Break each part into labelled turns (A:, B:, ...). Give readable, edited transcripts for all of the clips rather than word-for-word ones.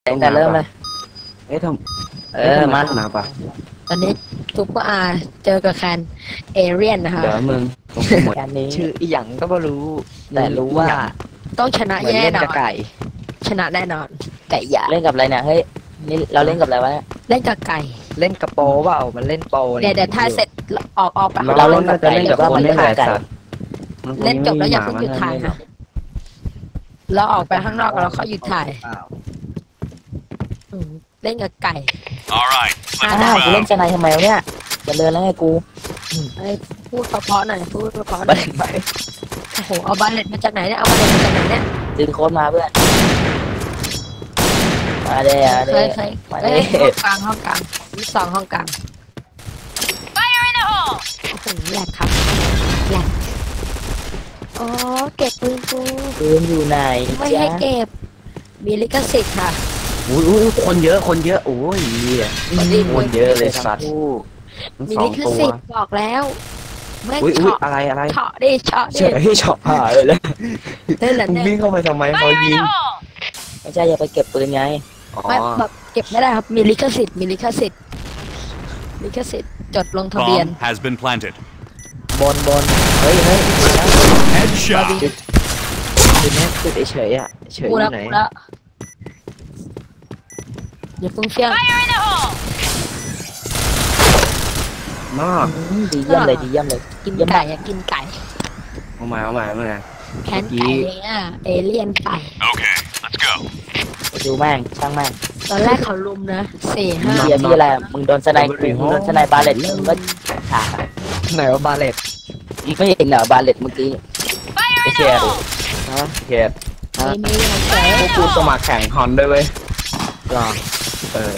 A: ตั้งแต่เริ่มเลย
B: เอ๊ะทำ
A: มา
B: หนาปะ
C: ตอนนี้ซุปเปอร์อาร์เจอกับแคนเอเรียนนะคะ
B: เดี๋ยวมึงต้องหมด
A: การนี้
D: ชื่ออีหยังก็ไม่รู้ แต่รู้ว่า
C: ต้องชนะ
D: เหมือน
C: แน่
D: เล่น
C: นอ
D: กับ
C: น
D: ไก่
C: ชนะแน่นอนไก่หยา
A: เล่นกับอะไรเนี่ยเฮ้ยนี่เราเล่นกับอะไรวะเนี่ย
C: เล่นกับไก่
D: เล่นกับโปเปล่ามันเล่นโป
C: เดี๋ยวถ้าเสร็จออกไป
A: เราเล่นกับไก่
B: เล่นกับคนนี่แหละสัตว์
C: เล่นจบแล้วอย่าเพิ่งหยุดถ่ายนะเราออกไปข้างนอกแล้วเขาหยุดถ่ายเล่นกับไก่
E: All right,
A: อ้าวกูเล่นจะไหนทำไมวะเนี่ยจะเดินแล้วไงกู
C: พูดเพราะๆหน่อยพูดเพราะๆห
A: บั
C: น่
A: ล
C: อย
A: เล็ตไหม
C: โอ้โหเอาบัลเลตมาจากไหนเนี่ยเอาบัลเลตมาจากไหนเนี่ย
A: ซื้อโค้ดมาเพื่อนมาเด้อ
C: เค
A: เด้
C: ย
A: อ
C: เคย
A: มา
C: เอ้
A: เด้
C: ยห้องกลางนี่สองห้องกลางโอ้โหแหลกครับแหลกอ๋อเก็บปืนกู
A: ปืนอยู่ไหน
C: ไม่
A: จ๊ะ
C: ให้เก็บมีลิขสิทธิ์ค่ะ
B: อุ้ยคนเยอะโอ้ยคนเยอะเลยสัตว์
A: ผู้
B: ทั้ง
C: มี
B: สอ
C: ลิ
B: ง
C: ข
B: ตัว
C: สิทธิ์บอกแล้วไม่
B: อุ้ย
C: เฉาะ
B: อะไร
C: เฉาะดิเฉาะ
B: เฉ
C: ดิ
B: ยให้ช็อปหายเลย
C: นั่นแหละ
B: มึง
C: เนี่ย
B: วิ่งเข้าไปทำไมเขายิง
A: ไม่ใช่อย่าไปเก็บปืนไง
B: อ๋อ
C: ไม่แบบเก็บไม่ได้ครับมีลิขสิทธิ์มีลิขสิทธิ์ลิขสิทธิ์จดลงทะเบียน
E: bomb has been planted.
A: บนเฮ้ยมาแล้ว
E: Headshot.
D: คือแม่คือเฉยๆอ่ะเฉยอ
C: กูแล้ว
D: ยู่ไหน
C: กูแล้วอย่าฟุ้งเฟี้ยง
B: มาก
A: ดีเยี่ยมเลยดีเยี่ยมเลย
C: กินไก่อะกินไก่
B: เอามา
C: แคนไก่เนี่ยเอเลี่ยนไก่
E: Okay, let's go.
A: ไปดูแม่งช่างแม่ง
C: ตอนแรกเขาลุมนะ4-5
A: เฮียที่อะไรมึงโดนสไนป์มึงโดนสไนป์บาเลตมึงก็ฉากอะ
D: ไหนว่าบาเลต
A: มึงไม่เห็นเหรอบาเลตเมื่อกี้ไอ้เชีย
D: ฮะ
B: เก็บ
C: มีเฉย
B: พวกกูสมัครแข่งฮอนด้วยเว้ย
D: หรอ
B: เออ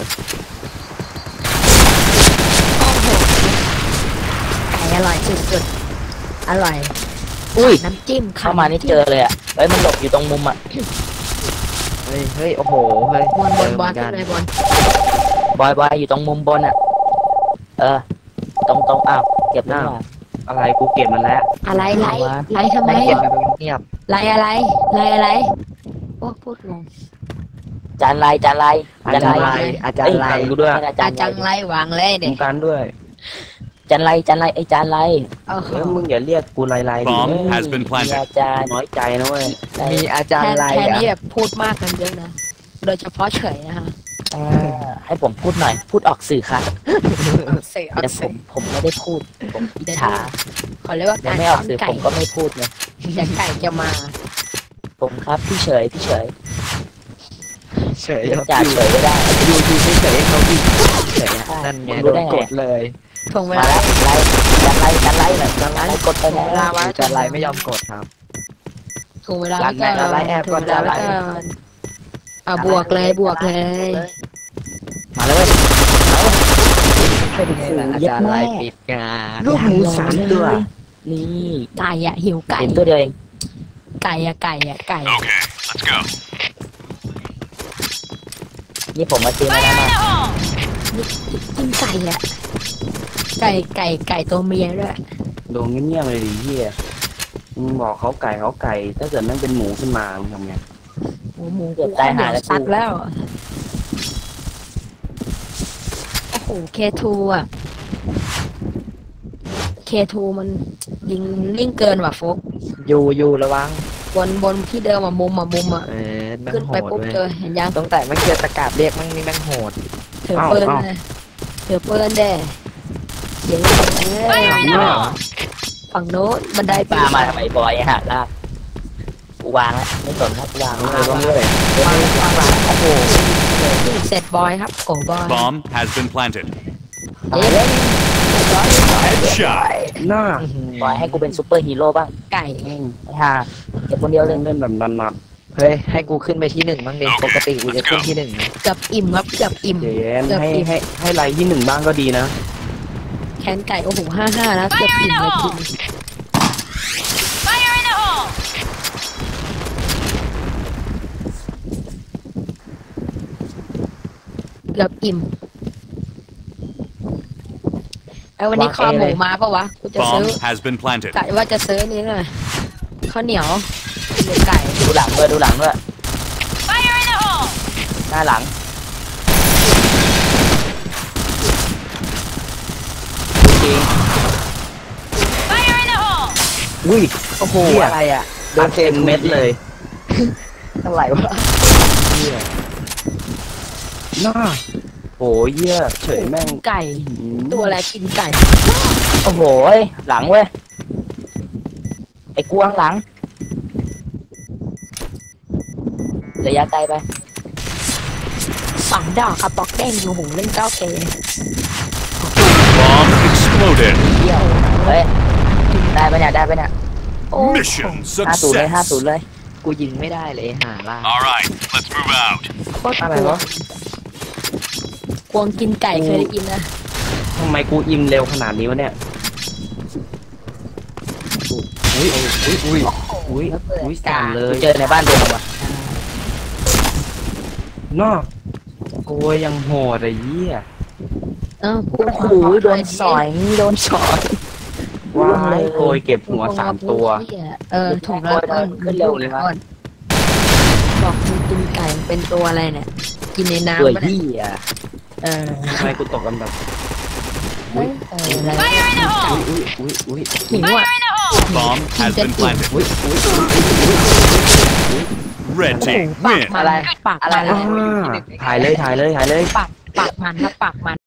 C: โอ้โหไก่อร่อยสุดๆอร่อย
A: อุ้ย
C: น้ำจิ้ม
A: เข้ามานี่เจอเลยอ่ะเฮ้ยมันหลบอยู่ตรงมุมอ่ะ
D: เฮ้ยโอ้โหเฮ้ย
C: บอล
D: เจ
C: บอล
D: เหมือนกัน
C: ขึ้นเลยบอล
A: บอยอยู่ตรงมุมบนอ่ะเออตรงอ้าวเก็บหน้า
B: อะไรกูเก็บมันแล้ว
C: อะไรไล่ทำไม
D: เงียบไปเงียบ
C: ไล่อะไรโอ้พูดงง
A: จานไร
D: อาจารย์ไรอาจารย์ไร
B: กูด้วย
A: อาจารย์
C: จังไล่วางเลย
B: มึ
C: เด็
B: งกันด้วย
A: จานไรไอ้จานไร
C: โอ้โห
B: เฮ้ยมึงอย่าเรียกกูไรดิ
E: Bomb has been
A: มี
E: planted.
A: อาจารย์
B: น้อยใจนะเว้ย
D: มีอาจารย์ไร
C: แค่
D: อ่ะ
C: นี้แบบพูดมากกันเยอะนะโดยเฉพาะเฉยนะคะ
A: ให้ผมพูดหน่อยพูดออกสื่อค่ะ
C: เสีย
A: แต่ผมไม่ได้พูดผมอิจฉา
C: ขอเรียกว่า
A: ยั
C: กาง ร
A: ไม่ออ
C: ซ้
A: ก
C: อน
A: สื่อ
C: ไก่
A: ผมก็ไม่พูดเลย
C: เดี๋ยวไก่จะมา
A: ผมครับพี่เฉย
D: เฉย
A: จ่าเฉยไม่ได้
D: ดูเฉยๆเขาวิ่งเฉยนั่นไงโดนกดเลย
C: ถ่วงเว
A: มา
C: ลา
A: แล้วจานไรหน่อยจานไรกดไปแล้ว
D: อาจารย์ไรไม่ยอมกดครับ
C: ถ่วงเวลา
D: รันไหนรันไล่แอบก่อน
C: ถ่วงเวลา
D: จะไล่
C: แล้วกันบวกเลย
A: มาแล้วเว้ยเป็น
D: นี่
A: สื่
D: แหละ
A: อ
D: อา
A: เย็ด
D: จารย์ไร
A: แม่
D: ปิดงาน
B: ลูกหมูสามตัว
A: นี่
C: ไก่อะหิวไก่
A: เห็นตัวเดียวเอง
C: ไก่อะ
E: Okay, let's go.
A: นี่ผมมาซื้อมาแล้วมา
C: กินไก่อะไก่ตัวเมียด้วย
B: โดนเงียบๆเลยดิเฮียมึงบอกเขาไก่ถ้าเกิดนั่นเป็นหมูขึ้นมามึงทำไง
C: หมู
A: เกือบตายหาแล้ว
C: ซัดแล้วโอ้โหเคทูอะเคทูมันยิงนิ่งเกินว่ะโฟก
D: อยู่ระวัง
C: บนที่เดิมอะมุมอะ
D: แม่ง
C: ขึ้น
D: โห
C: ไป
D: ด
C: ปุ๊บ
D: เลย
C: เจอเห็นยัง
D: ตั้งแต่ไม่เจอตะกาบเรียกมั่งนี่แม่งโหด
C: ถือปืนเลยถือปืนเด้เดี๋ยวฝั่งโน้นบันได
A: ปลามาทำไมบอยฮะลากกูวางแล้วไม่สนครับวาง
B: มึงเลยต้องเลย
C: วางโอ้โหเสร็จบอยครับโกบอย
E: Bomb has been planted.
C: เย้
E: Headshot.
B: หน้า
A: บอยให้กูเป็นซูเปอร์ฮีโร่บ้าง
C: ไก่
A: ไอ้ห่าเก็บคนเดียวเลย
B: เล่นแบบนัด
D: เฮ้ยให้กูขึ้นไปที่หนึ่งบ้างดิปกติกูจะขึ้นที่หนึ่งนะ
C: เกือบอิ่มครับเกือบอิ่ม
B: ๆเดี๋ยวให้ไรที่หนึ่งบ้างก็ดีนะ
C: แคนไก่โอ้โห55แล้วเกือบอิ่มเลยกินเกือบอิ่มไอ้วันนี้คอหมูมาปะวะกูจะซื้อ
E: Bomb has been planted.
C: กะว่าจะซื้อนี่เลยข้าวเหนียวหรือไก่
A: ดูหลังด้วย
C: ไ
A: น้าหลังจริง
F: Fire in the hole!
B: อุ้ย
A: โอ้โห
B: เหี้ย
A: อะไรอ่ะ
B: โดนเต็มเม็ดเลย
A: อะไรวะ
B: น่าโอ้ยเหี้ยเฉยแม่ง
C: ไก่ ตัวอะไรกินไก่
A: โอ้โหหลังเว้ยไอ้กวางหลังระยะไกลไป
C: ฝังดอกครับบล็อกเด้งอยู่หูเล่น9K
E: Bomb exploded.
A: เที่ยวเฮ้ยได้ปะเนี่ยได้ปะเนี่ย
C: โอ้
E: Mission
A: 50เลย
E: success.
A: 50เลย
D: กูยิงไม่ได้เลยหาล่า
E: All right, let's move out.
C: โคตร
B: อะไร
C: กลัว
B: วะ
C: กวงกินไก่เคยได้ยินนะ
B: ทำไมกูอิ่มเร็วขนาดนี้วะเนี่ยอุ้ยอุ้ยอุ้ยอุ้ยอุ้ยสั่นเล
A: กู
B: ย
A: เจอในบ้านตัวว่ะ
B: นอกโกยยังโหดไอ้เหี้ย
C: กู
A: โอ้โหโดนสอยโดนสอย
B: ว้ายโกยเก็บหัว3 ตัว
C: ถูกแล้วขึ้นเร็วเลยก่อนบอกมึงกินไก่เป็นตัวอะไรเนี่ย กินใน
A: ตัว
C: น้ำปะเนี่ย
A: ยี่อ่ะ
B: ทำไมกูตกกันแบบ
C: อะไร
F: Fire in the hole!
B: อุ้ยอุ้ย
C: หิวอ่ะ
F: Fire in the hole!
E: Bomb has been planted.
B: อุ้ยอุ้ย
E: Red
C: โอ้โห
E: team
C: ปาก
E: win.
C: มันปากมัน
B: ถ่ายเลยถ่ายเลยถ่ายเลย
C: ปากมันครับปากมัน